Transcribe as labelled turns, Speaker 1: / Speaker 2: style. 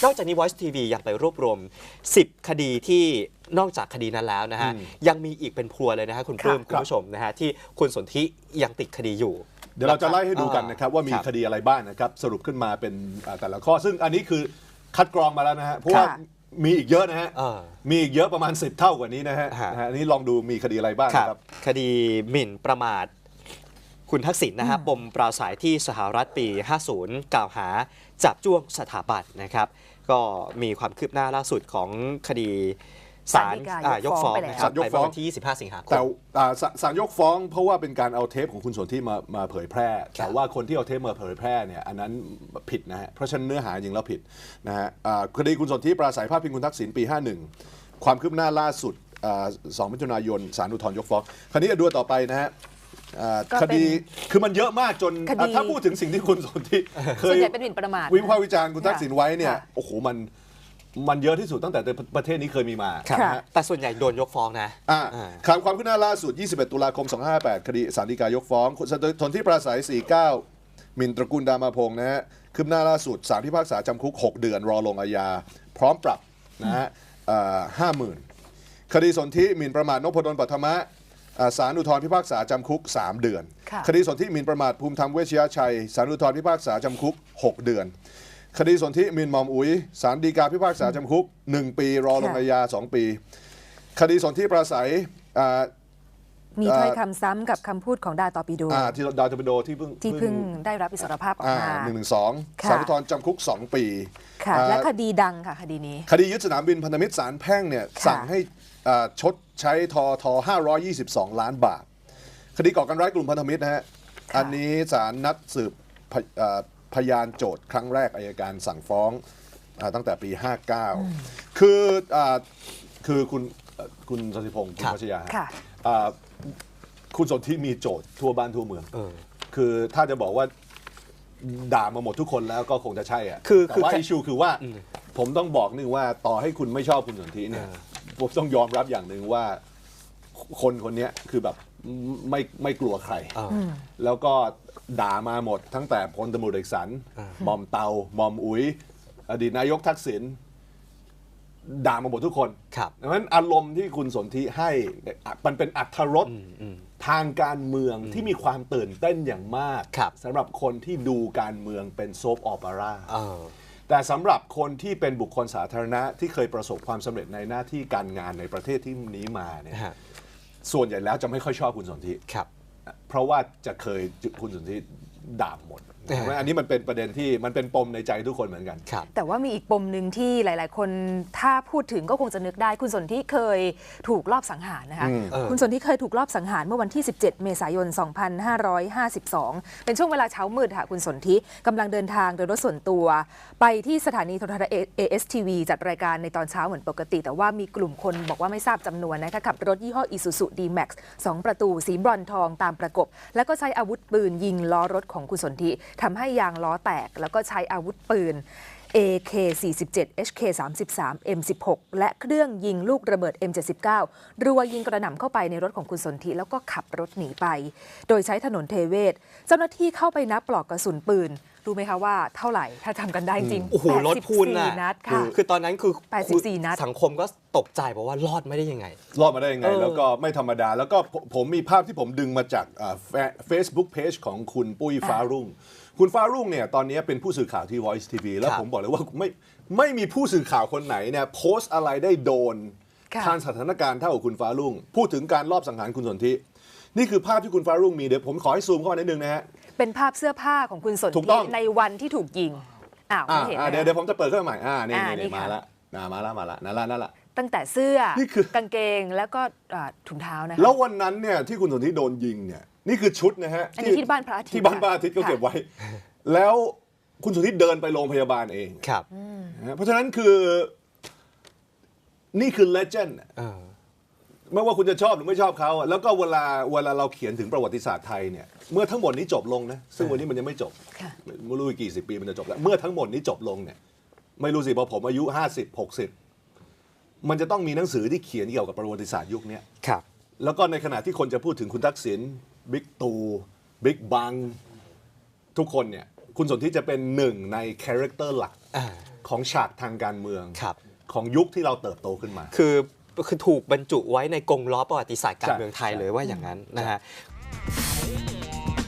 Speaker 1: นอกจากนี้ Voice TV ยังไปรวบรวม10 คดีที่นอกจากคดีนั้นแล้วนะฮะยังมีอีกเป็นพรัวเลยนะฮะคุณปลื้มคุณผู้ชมนะฮะที่คุณสนธิยังติดคดีอยู่
Speaker 2: เดี๋ยวเราจะไล่ให้ดูกันนะครับว่ามีคดีอะไรบ้างนะครับสรุปขึ้นมาเป็นแต่ละข้อซึ่งอันนี้คือคัดกรองมาแล้วนะฮะเพราะว่ามีอีกเยอะนะฮะมีอีกเยอะประมาณ10 เท่ากว่านี้นะฮะอันนี้ลองดูมีคดีอะไรบ้างครับ
Speaker 1: คดีหมิ่นประมาทคุณทักษิณนะครับปมปราศัยที่สหรัฐปี 50 กล่าวหาจับจ้วงสถาบันนะครับก็มีความคืบหน้าล่าสุดของคดีศาลยกฟ้องนะครับไปเมื่อวันที่ 25 สิงหาคม
Speaker 2: แต่ศาลยกฟ้องเพราะว่าเป็นการเอาเทปของคุณสนธิมาเผยแพร่แต่ว่าคนที่เอาเทปมาเผยแพร่เนี่ยอันนั้นผิดนะฮะเพราะฉะนั้นเนื้อหาจริงแล้วผิดนะฮะคดีคุณสนธิปราศัยพาดพิงคุณทักษิณปี 51 ความคืบหน้าล่าสุด2 มิถุนายนศาลอุทธรณ์ยกฟ้องคราวนี้ดูต่อไปนะฮะคดีคือมันเยอะมากจนถ้าพูดถึงสิ่งที่คุณสนธิเคย
Speaker 3: เป็นหมิ่นประมาท
Speaker 2: วิพากษ์วิจารณ์คุณทักษิณไว้เนี่ยโอ้โหมันเยอะที่สุดตั้งแต่ประเทศนี้เคยมีมา
Speaker 1: แต่ส่วนใหญ่โดนยกฟ้องนะ
Speaker 2: ความคืบหน้าล่าสุด 21 ตุลาคม 2558 คดีศาลฎีกายกฟ้องสนธิปราศัย 49 หมิ่นตระกูลดามาพงษ์นะฮะคืบหน้าล่าสุดศาลพิพากษาจำคุก 6 เดือนรอลงอาญาพร้อมปรับนะฮะ50,000 คดีสนธิหมิ่นประมาทนพดลปัทมะศาลอุทธรณ์พิพากษาจำคุก 3 เดือนคดีสนธิหมิ่นประมาทภูมิธรรมเวชยชัยศาลอุทธรณ์พิพากษาจำคุก 6 เดือนคดีสนธิหมิ่นหม่อมอุ๋ยศาลฎีกาพิพากษาจำคุก1 ปีรอลงอาญา2 ปีคดีสนธิปราศัย
Speaker 3: มีถ้อยคำซ้ำกับคำพูดของดาตอปิโด
Speaker 2: ที่ดาตอปิโดที่เพิ่ง
Speaker 3: ได้รับอิสรภาพออกมา
Speaker 2: 112ศาลอุทธรณ์จำคุก2 ปี
Speaker 3: และคดีดังค่ะคดีนี้
Speaker 2: คดียึดสนามบินพันธมิตรศาลแพ่งเนี่ยสั่งให้ชดใช้ท522 ล้านบาทคดีก่อการร้ายกลุ่มพันธมิตรนะฮะอันนี้ศาลนัดสืบพยานโจทย์ครั้งแรกอัยการสั่งฟ้องตั้งแต่ปี 59คือคุณสศิพงศ์คุณพัชยาคุณสนธิมีโจทย์ทั่วบ้านทั่วเมืองคือถ้าจะบอกว่าด่ามาหมดทุกคนแล้วก็คงจะใช่อ่ะแต่ว่าอิชชูคือว่าผมต้องบอกนึงว่าต่อให้คุณไม่ชอบคุณสนธิเนี่ยผมต้องยอมรับอย่างหนึ่งว่าคนนี้คือแบบไม่กลัวใครแล้วก็ด่ามาหมดตั้งแต่พลตำรวจเอกสันหม่อมเตาหม่อมอุ๋ยอดีตนายกทักษิณด่ามาหมดทุกคนดังนั้นอารมณ์ที่คุณสนธิให้มันเป็นอรรถรสทางการเมืองที่มีความตื่นเต้นอย่างมากสำหรับคนที่ดูการเมืองเป็นโซปออเปร่าแต่สำหรับคนที่เป็นบุคคลสาธารณะที่เคยประสบความสำเร็จในหน้าที่การงานในประเทศที่นี้มาเนี่ยส่วนใหญ่แล้วจะไม่ค่อยชอบคุณสนธิเพราะว่าจะเคยคุณสนธิด่าหมดอันนี้มันเป็นประเด็นที่มันเป็นปมในใจทุกคนเหมือนกัน
Speaker 3: แต่ว่ามีอีกปมหนึ่งที่หลายๆคนถ้าพูดถึงก็คงจะนึกได้คุณสนธิเคยถูกลอบสังหารนะคะคุณสนธิเคยถูกลอบสังหารเมื่อวันที่17 เมษายน 2552เป็นช่วงเวลาเช้ามืดค่ะคุณสนธิกำลังเดินทางโดยรถส่วนตัวไปที่สถานีโทรทัศน์ ASTV จัดรายการในตอนเช้าเหมือนปกติแต่ว่ามีกลุ่มคนบอกว่าไม่ทราบจำนวนนะคะขับรถยี่ห้อ Isuzu D-Max 2 ประตูสีบรอนซ์ทองตามประกบแล้วก็ใช้อาวุธปืนยิงล้อรถของคุณสนธิทำให้ยางล้อแตกแล้วก็ใช้อาวุธปืน AK-47 HK-33 M16 และเครื่องยิงลูกระเบิด M79 รัวยิงกระหน่ำเข้าไปในรถของคุณสนธิแล้วก็ขับรถหนีไปโดยใช้ถนนเทเวศเจ้าหน้าที่เข้าไปนับปลอกกระสุนปืนรู้ไหมคะว่าเท่าไหร่ถ้าจำกันได้จริง
Speaker 1: โอ้โหรถพูนนัดค่ะคือตอนนั้นคือ
Speaker 3: 84 นัด
Speaker 1: สังคมก็ตกใจบอกว่ารอดไม่ได้ยังไง
Speaker 2: แล้วก็ไม่ธรรมดาแล้วก็ผมมีภาพที่ผมดึงมาจาก Facebook Page ของคุณปุ้ยฟ้ารุ่งคุณฟ้ารุ่งเนี่ยตอนนี้เป็นผู้สื่อข่าวที่ Voice TV แล้วผมบอกเลยว่าไม่มีผู้สื่อข่าวคนไหนเนี่ยโพสต์อะไรได้โดนทางสถานการณ์เท่ากับคุณฟ้ารุ่งพูดถึงการลอบสังหารคุณสนธินี่คือภาพที่คุณฟ้ารุ่งมีเดี๋ยวผมขอให้ซูมเข้ามานิดนึงนะฮะ
Speaker 3: เป็นภาพเสื้อผ้าของคุณสนธิในวันที่ถูกยิงไม่เห็น
Speaker 2: เดี๋ยวผมจะเปิดขึ้นมาใหม่นี่มาแล้วนั่นละ
Speaker 3: ตั้งแต่เสื้อกางเกงแล้วก็ถุงเท้านะคะ
Speaker 2: แล้ววันนั้นเนี่ยที่คุณสนธิโดนยิงเนี่ยนี่คือชุดนะฮะ
Speaker 3: ที่บ้านพระอาทิตย์
Speaker 2: ที่บ้านพระอาทิตย์ก็เก็บไว้แล้วคุณสนธิเดินไปโรงพยาบาลเอง
Speaker 1: ครับ
Speaker 2: เพราะฉะนั้นคือนี่คือเลเจนด์ไม่ว่าคุณจะชอบหรือไม่ชอบเขาแล้วก็เวลาเราเขียนถึงประวัติศาสตร์ไทยเนี่ยเมื่อทั้งหมดนี้จบลงนะซึ่งวันนี้มันยังไม่จบไม่รู้กี่สิบปีมันจะจบแล้วเมื่อทั้งหมดนี้จบลงเนี่ยไม่รู้สิพอผมอายุ50-60มันจะต้องมีหนังสือที่เขียนเกี่ยวกับประวัติศาสตร์ยุคนี้แล้วก็ในขณะที่คนจะพูดถึงคุณทักษิณบิ๊กตู่บิ๊กบังทุกคนเนี่ยคุณสนธิจะเป็นหนึ่งในคาแรคเตอร์หลักของฉากทางการเมือง
Speaker 1: ครับ
Speaker 2: ของยุคที่เราเติบโตขึ้นมา
Speaker 1: คือถูกบรรจุไว้ในกงล้อประวัติศาสตร์การเมืองไทยเลยว่าอย่างนั้นนะฮะ